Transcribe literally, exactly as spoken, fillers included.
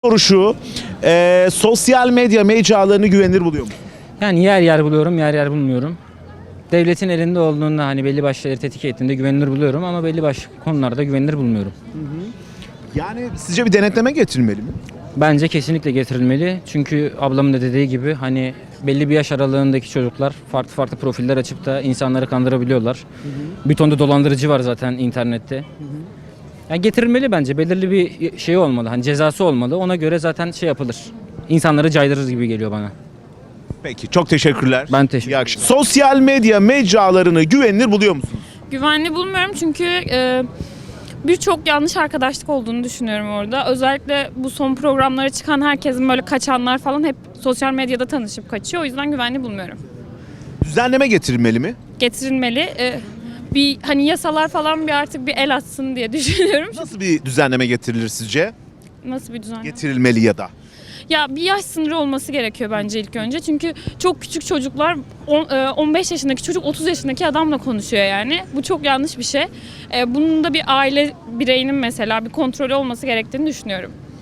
Soru şu, e, sosyal medya mecralarını güvenilir buluyor mu? Yani yer yer buluyorum, yer yer bulmuyorum. Devletin elinde olduğunda hani belli başlı şeyleri tetik ettiğinde güvenilir buluyorum ama belli başlı konularda güvenilir bulmuyorum. Yani sizce bir denetleme getirilmeli mi? Bence kesinlikle getirilmeli. Çünkü ablamın da dediği gibi hani belli bir yaş aralığındaki çocuklar farklı farklı profiller açıp da insanları kandırabiliyorlar. Hı hı. Bir ton da dolandırıcı var zaten internette. Hı hı. Yani getirilmeli bence. Belirli bir şey olmalı. Hani cezası olmalı. Ona göre zaten şey yapılır. İnsanları caydırır gibi geliyor bana. Peki, çok teşekkürler. Ben teşekkür ederim. Sosyal medya mecralarını güvenilir buluyor musunuz? Güvenli bulmuyorum çünkü e, birçok yanlış arkadaşlık olduğunu düşünüyorum orada. Özellikle bu son programlara çıkan herkesin böyle kaçanlar falan hep sosyal medyada tanışıp kaçıyor. O yüzden güvenli bulmuyorum. Düzenleme getirilmeli mi? Getirilmeli. E, bir hani yasalar falan bir artık bir el atsın diye düşünüyorum. Nasıl bir düzenleme getirilir sizce? Nasıl bir düzen? Getirilmeli ya da. Ya bir yaş sınırı olması gerekiyor bence ilk önce. Çünkü çok küçük çocuklar on beş yaşındaki çocuk otuz yaşındaki adamla konuşuyor yani. Bu çok yanlış bir şey. Bunun da bir aile bireyinin mesela bir kontrolü olması gerektiğini düşünüyorum.